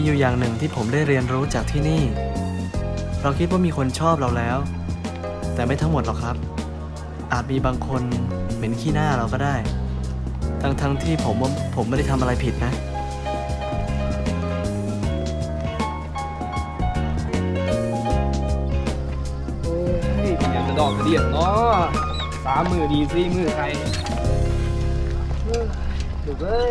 อยู่อย่างหนึ่งที่ผมได้เรียนรู้จากที่นี่ เราคิดว่ามีคนชอบเราแล้ว แต่ไม่ทั้งหมดหรอกครับ อาจมีบางคนเหม็นขี้หน้าเราก็ได้ ทั้งที่ผมว่าผมไม่ได้ทำอะไรผิดนะโอ้ยอยากจะดอกกระเดียดเนาะ3 มือดี4 มือใครถูกเลย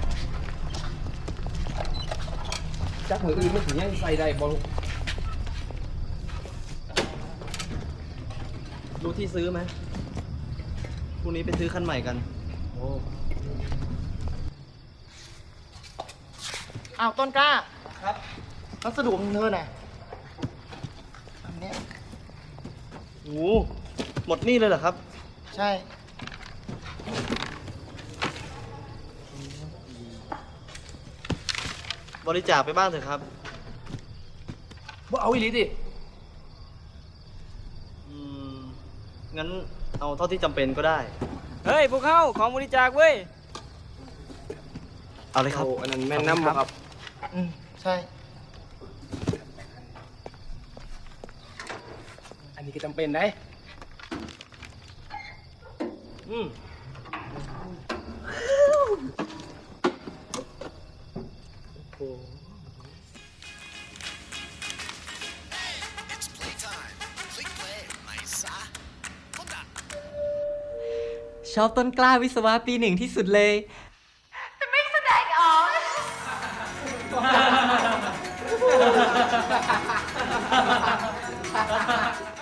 จักมืออื่นไม่ถึงยังใส่ได้บอลรู้ที่ซื้อไหมพรุ่งนี้ไปซื้อคันใหม่กันโอ้อ้าวต้นกล้าครับพัสดุของเธอน่ะอันเนี้ยโอ้หมดนี่เลยเหรอครับใช่บริจาคไปบ้างเถอะครับบ่เอาอีหลีดิอืม งั้นเอาเท่าที่จำเป็นก็ได้เฮ้ย พวกเขาของบริจาคเว้ยเอาเลยครับโอ้อันนั้นแม่นน้ำบ่ครับอืมใช่อันนี้ก็จำเป็นได้อืมโอ้ It's playtime. Click play, Maisa. Hold on. ชอบต้นกล้าวิศวะปี 1ที่สุดเลยจะไม่แสดงออก